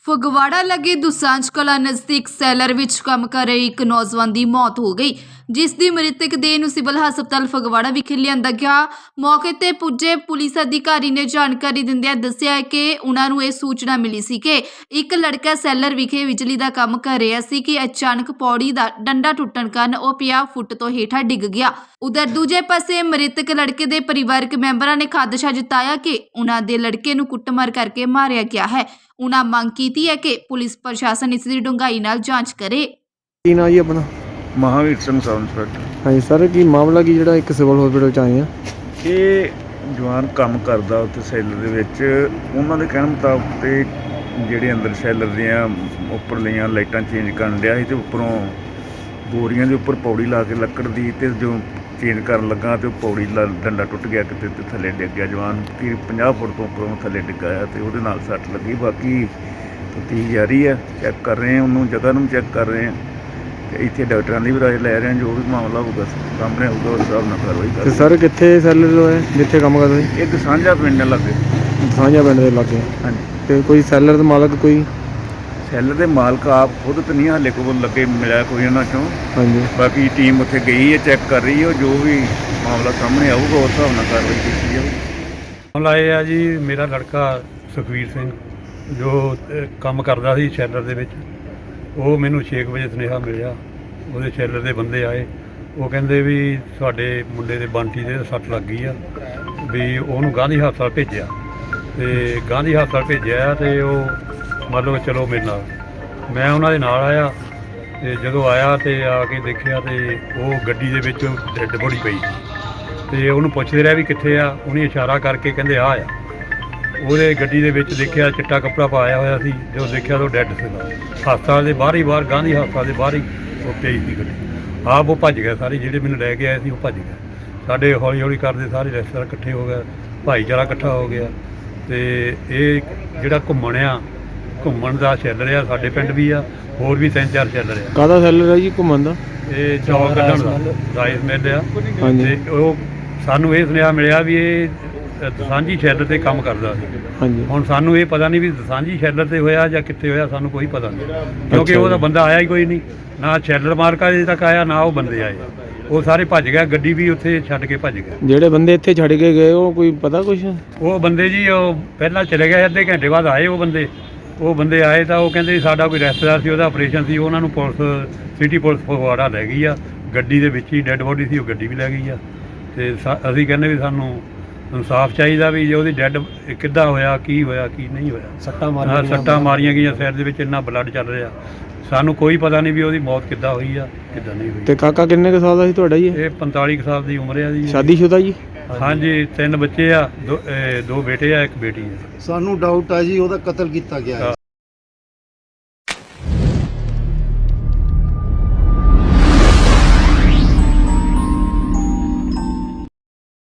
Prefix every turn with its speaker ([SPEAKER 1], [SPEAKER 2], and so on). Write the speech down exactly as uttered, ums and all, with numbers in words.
[SPEAKER 1] ਫਗਵਾੜਾ ਲੱਗੇ ਦੁਸਾਂਝ ਕਲਾਂ ਨਜ਼ਦੀਕ ਸੈਲਰ ਵਿੱਚ ਕੰਮ ਕਰ ਰਹੇ ਇੱਕ ਨੌਜਵਾਨ ਦੀ ਮੌਤ ਹੋ ਗਈ, ਜਿਸ ਦੀ ਮ੍ਰਿਤਕ ਦੇਹ ਨੂੰ ਸਿਵਲ ਹਸਪਤਾਲ ਫਗਵਾੜਾ ਵਿਖੇ ਲਿਆਂਦਾ ਗਿਆ। ਮੌਕੇ ਤੇ ਪੁੱਜੇ ਪੁਲਿਸ ਅਧਿਕਾਰੀ ਨੇ ਜਾਣਕਾਰੀ ਦਿੰਦਿਆਂ ਦੱਸਿਆ ਕਿ ਉਹਨਾਂ ਨੂੰ ਇਹ ਸੂਚਨਾ ਮਿਲੀ ਸੀ ਕਿ ਇੱਕ ਲੜਕਾ ਸੈਲਰ ਵਿਖੇ ਬਿਜਲੀ ਦਾ ਕੰਮ ਕਰ ਰਿਹਾ ਸੀ ਕਿ ਅਚਾਨਕ ਪੌੜੀ ਦਾ ਡੰਡਾ ਟੁੱਟਣ ਕਾਰਨ ਉਹ ਪੰਜਾਹ ਫੁੱਟ ਤੋਂ ਹੇਠਾਂ ਡਿੱਗ ਗਿਆ। ਉਧਰ ਦੂਜੇ ਪਾਸੇ ਮ੍ਰਿਤਕ ਲੜਕੇ ਦੇ ਪਰਿਵਾਰਕ ਮੈਂਬਰਾਂ ਨੇ ਖਾਦਸ਼ਾ ਜਤਾਇਆ ਕਿ ਉਹਨਾਂ ਦੇ ਲੜਕੇ ਨੂੰ ਕੁੱਟਮਾਰ ਕਰਕੇ ਮਾਰਿਆ ਗਿਆ ਹੈ। ਉਹਨਾਂ ਮੰਗ ਕੀਤੀ ਹੈ ਕਿ ਪੁਲਿਸ ਪ੍ਰਸ਼ਾਸਨ ਇਸ ਦੀ ਡੂੰਘਾਈ ਨਾਲ ਜਾਂਚ ਕਰੇ।
[SPEAKER 2] ਕੀ ਨਾਂ ਜੀ ਆਪਣਾ?
[SPEAKER 3] Mahavir Singh sub inspector.
[SPEAKER 2] ਹਾਂਜੀ ਸਰ, ਕੀ ਮਾਮਲਾ ਕੀ ਜਿਹੜਾ ਇੱਕ ਸਿਵਲ ਹਸਪੀਟਲ ਚ ਆਏ ਆ?
[SPEAKER 3] ਇਹ ਜਵਾਨ ਕੰਮ ਕਰਦਾ ਉੱਥੇ ਸੈਲਰ ਦੇ ਵਿੱਚ। ਉਹਨਾਂ ਦੇ ਕਹਿਣ ਮੁਤਾਬਕ ਤੇ ਜਿਹੜੇ ਅੰਦਰ ਸੈਲਰ ਦੀਆਂ ਉੱਪਰਲੀਆਂ ਲਾਈਟਾਂ ਚੇਂਜ ਕਰਨ ਡਿਆ ਸੀ ਤੇ ਉੱਪਰੋਂ ਬੋਰੀਆਂ ਦੇ ਉੱਪਰ ਪੌੜੀ ਲਾ ਕੇ ਲੱਕੜ ਦੀ, ਤੇ ਜੋ ਚੇਂਜ ਕਰਨ ਲੱਗਾ ਤੇ ਉਹ ਪੌੜੀ ਦਾ ਡੰਡਾ ਟੁੱਟ ਗਿਆ ਕਿਤੇ ਤੇ ਥੱਲੇ ਡਿੱਗ ਗਿਆ। ਜਵਾਨ ਕਿ ਪੰਜਾਹ ਫੁੱਟ ਤੋਂ ਉੱਪਰੋਂ ਥੱਲੇ ਡਿੱਗਾ ਆ ਤੇ ਉਹਦੇ ਨਾਲ ਸੱਟ ਲੱਗੀ। ਬਾਕੀ ਤਫਤੀਸ਼ ਜਾਰੀ ਹੈ, ਚੈੱਕ ਕਰ ਰਹੇ ਹਾਂ, ਉਹਨੂੰ ਜਗ੍ਹਾ ਨੂੰ ਚੈੱਕ ਕਰ ਰਹੇ ਹਾਂ ਤੇ ਇੱਥੇ ਡਾਕਟਰਾਂ ਦੀ ਵੀ ਰਾਏ ਲੈ ਰਹੇ ਹਾਂ। ਜੋ ਵੀ ਮਾਮਲਾ ਹੋਊਗਾ ਸਾਹਮਣੇ ਆਊਗਾ ਉਸ ਹਿਸਾਬ ਨਾਲ ਕਾਰਵਾਈ
[SPEAKER 2] ਤੇ
[SPEAKER 3] ਕਰਾਂਗੇ।
[SPEAKER 2] ਸਰ ਕਿੱਥੇ ਸੈਲਰ ਹੋਏ ਜਿੱਥੇ ਕੰਮ ਕਰਦੇ ਸੀ?
[SPEAKER 3] ਇੱਕ ਸਾਂਝਾ ਪਿੰਡ ਲੱਗੇ।
[SPEAKER 2] ਸਾਂਝਾ ਪਿੰਡ ਦੇ ਲਾਗੇ।
[SPEAKER 3] ਹਾਂਜੀ।
[SPEAKER 2] ਤੇ ਕੋਈ ਸੈਲਰ ਦਾ ਮਾਲਕ ਕੋਈ?
[SPEAKER 3] ਸੈਲਰ ਦੇ ਮਾਲਕ ਆਪ ਖੁਦ ਤਾਂ ਨਹੀਂ ਹਾਲੇ ਕੋਲ ਲੱਗੇ ਮਿਲਿਆ ਕੋਈ ਉਹਨਾਂ ਚੋਂ।
[SPEAKER 2] ਹਾਂਜੀ।
[SPEAKER 3] ਬਾਕੀ ਟੀਮ ਉੱਥੇ ਗਈ ਹੈ, ਚੈੱਕ ਕਰ ਰਹੀ ਹੈ। ਜੋ ਵੀ ਮਾਮਲਾ ਸਾਹਮਣੇ ਆਊਗਾ ਉਸ ਹਿਸਾਬ ਨਾਲ ਕਾਰਵਾਈ ਕੀਤੀ ਜਾਊਗੀ।
[SPEAKER 4] ਮਾਮਲਾ ਇਹ ਆ ਜੀ, ਮੇਰਾ ਲੜਕਾ ਸੁਖਵੀਰ ਸਿੰਘ ਜੋ ਅਹ, ਕੰਮ ਕਰਦਾ ਸੀ ਸ਼ੈਲਰ ਦੇ ਵਿੱਚ, ਉਹ ਮੈਨੂੰ ਛੇ ਕੁ ਵਜੇ ਸੁਨੇਹਾ ਮਿਲਿਆ। ਉਹਦੇ ਸ਼ੈਲਰ ਦੇ ਬੰਦੇ ਆਏ, ਉਹ ਕਹਿੰਦੇ ਵੀ ਤੁਹਾਡੇ ਮੁੰਡੇ ਦੇ ਬੰਟੀ ਦੇ ਸੱਟ ਲੱਗ ਗਈ ਆ, ਵੀ ਉਹਨੂੰ ਗਾਂਧੀ ਹਸਪਤਾਲ ਭੇਜਿਆ। ਤੇ ਗਾਂਧੀ ਹਸਪਤਾਲ ਭੇਜਿਆ ਤੇ ਉਹ ਮੰਨ ਲਓ ਚਲੋ ਮੇਰੇ ਨਾਲ, ਮੈਂ ਉਹਨਾਂ ਦੇ ਨਾਲ ਆਇਆ। ਤੇ ਜਦੋਂ ਆਇਆ ਤੇ ਆ ਕੇ ਦੇਖਿਆ ਤੇ ਉਹ ਗੱਡੀ ਦੇ ਵਿੱਚ ਡੈੱਡ ਬੋਡੀ ਪਈ ਤੇ ਉਹਨੂੰ ਪੁੱਛਦੇ ਰਿਹਾ ਵੀ ਕਿੱਥੇ ਆ। ਉਹਨੇ ਇਸ਼ਾਰਾ ਕਰਕੇ ਕਹਿੰਦੇ ਆ ਆ। ਉਹਦੇ ਗੱਡੀ ਦੇ ਵਿੱਚ ਦੇਖਿਆ ਚਿੱਟਾ ਕੱਪੜਾ ਪਾਇਆ ਹੋਇਆ ਸੀ। ਜਦੋਂ ਦੇਖਿਆ ਤਾਂ ਉਹ ਡੈੱਡ ਸੀਗਾ। ਹਸਪਤਾਲ ਦੇ ਬਾਹਰ ਹੀ ਬਾਹਰ ਗਾਂਧੀ ਹਸਪਤਾਲ ਦੇ ਬਾਹਰ ਹੀ ਉਹ ਪਈ ਸੀ ਗੱਡੀ। ਆਪ ਉਹ ਭੱਜ ਗਿਆ, ਸਾਰੇ ਜਿਹੜੇ ਮੈਨੂੰ ਲੈ ਕੇ ਆਏ ਸੀ ਉਹ ਭੱਜ ਗਏ। ਸਾਡੇ ਹੌਲੀ ਹੌਲੀ ਕਰਦੇ ਸਾਰੇ ਰਿਸ਼ਤੇਦਾਰ ਇਕੱਠੇ ਹੋ ਗਏ, ਭਾਈਚਾਰਾ ਇਕੱਠਾ ਹੋ ਗਿਆ। ਤੇ ਇਹ ਜਿਹੜਾ ਘੁੰਮਣ ਆ, ਘੁੰਮਣ ਦਾ ਸ਼ੈਲਰ ਆ, ਸਾਡੇ ਪਿੰਡ ਵੀ ਆ, ਹੋਰ ਵੀ ਤਿੰਨ ਚਾਰ ਸ਼ੈਲਰ ਆ।
[SPEAKER 2] ਕਾਹਦਾ ਸੈਲਰ ਹੈ ਜੀ ਘੁੰਮਣ ਦਾ?
[SPEAKER 4] ਇਹ ਚੌਲ ਕੱਢਣ ਦਾ ਰਾਈਸ ਮਿਲ ਆ।
[SPEAKER 2] ਹਾਂਜੀ।
[SPEAKER 4] ਤੇ ਉਹ ਸਾਨੂੰ ਇਹ ਸੁਨੇਹਾ ਮਿਲਿਆ ਵੀ ਇਹ ਦਸਾਂਝੀ ਸ਼ੈਲਰ ਤੇ ਕੰਮ ਕਰਦਾ ਸੀ।
[SPEAKER 2] ਹਾਂਜੀ।
[SPEAKER 4] ਹੁਣ ਸਾਨੂੰ ਇਹ ਪਤਾ ਨਹੀਂ ਵੀ ਦਸਾਂਝੀ ਸ਼ੈਲਰ ਤੇ ਹੋਇਆ ਜਾਂ ਕਿੱਥੇ ਹੋਇਆ, ਸਾਨੂੰ ਕੋਈ ਪਤਾ ਨਹੀਂ, ਕਿਉਂਕਿ ਉਹਦਾ ਬੰਦਾ ਆਇਆ ਹੀ ਕੋਈ ਨਹੀਂ। ਨਾ ਸ਼ੈਲਰ ਮਾਰਕਾ ਅਜੇ ਤੱਕ ਆਇਆ, ਨਾ ਉਹ ਬੰਦੇ ਆਏ। ਉਹ ਸਾਰੇ ਭੱਜ ਗਿਆ, ਗੱਡੀ ਵੀ ਉੱਥੇ ਛੱਡ ਕੇ ਭੱਜ ਗਿਆ।
[SPEAKER 2] ਜਿਹੜੇ ਬੰਦੇ ਇੱਥੇ ਛੱਡ ਕੇ ਗਏ ਉਹ ਕੋਈ ਪਤਾ ਕੁਛ?
[SPEAKER 4] ਉਹ ਬੰਦੇ ਜੀ ਉਹ ਪਹਿਲਾਂ ਚਲੇ ਗਏ, ਅੱਧੇ ਘੰਟੇ ਬਾਅਦ ਆਏ ਉਹ ਬੰਦੇ। ਉਹ ਬੰਦੇ ਆਏ ਤਾਂ ਉਹ ਕਹਿੰਦੇ ਸਾਡਾ ਕੋਈ ਰਿਸ਼ਤੇਦਾਰ ਸੀ, ਉਹਦਾ ਆਪਰੇਸ਼ਨ ਸੀ, ਉਹਨਾਂ ਨੂੰ ਪੁਲਿਸ ਸਿਟੀ ਪੁਲਿਸ ਫਗਵਾੜਾ ਲੈ ਗਈ ਆ। ਗੱਡੀ ਦੇ ਵਿੱਚ ਹੀ ਡੈੱਡ ਬੋਡੀ ਸੀ, ਉਹ ਗੱਡੀ ਵੀ ਲੈ ਗਈ ਆ। ਤੇ ਅਸੀਂ ਕਹਿੰਦੇ ਵੀ ਸਾਨੂੰ ਇਨਸਾਫ ਚਾਹੀਦਾ ਵੀ ਜੇ ਉਹਦੀ ਡੈੱਡ ਕਿੱਦਾਂ ਹੋਇਆ, ਕੀ ਹੋਇਆ, ਕੀ ਨਹੀਂ ਹੋਇਆ। ਸੱਟਾਂ ਮਾਰੀਆਂ ਸੱਟਾਂ ਮਾਰੀਆਂ ਗਈਆਂ ਸਿਰ ਦੇ ਵਿੱਚ, ਇੰਨਾ ਬਲੱਡ ਚੱਲ ਰਿਹਾ। ਸਾਨੂੰ ਕੋਈ ਪਤਾ ਨਹੀਂ ਵੀ ਉਹਦੀ ਮੌਤ ਕਿੱਦਾਂ ਹੋਈ ਆ, ਕਿੱਦਾਂ ਨਹੀਂ ਹੋਈ।
[SPEAKER 2] ਤੇ ਕਾਕਾ ਕਿੰਨੇ ਕੁ ਸਾਲ ਦਾ ਸੀ ਤੁਹਾਡਾ ਜੀ?
[SPEAKER 4] ਇਹ ਪੰਤਾਲੀ ਕੁ ਸਾਲ ਦੀ ਉਮਰ ਆ ਜੀ।
[SPEAKER 2] ਸ਼ਾਦੀशुदा ਜੀ?
[SPEAKER 4] ਹਾਂਜੀ, ਤਿੰਨ ਬੱਚੇ ਆ, ਦੋ ਇਹ ਦੋ ਬੇਟੇ ਆ, ਇੱਕ ਬੇਟੀ ਆ।
[SPEAKER 5] ਸਾਨੂੰ ਡਾਊਟ ਆ ਜੀ ਉਹਦਾ ਕਤਲ ਕੀਤਾ ਗਿਆ ਹੈ।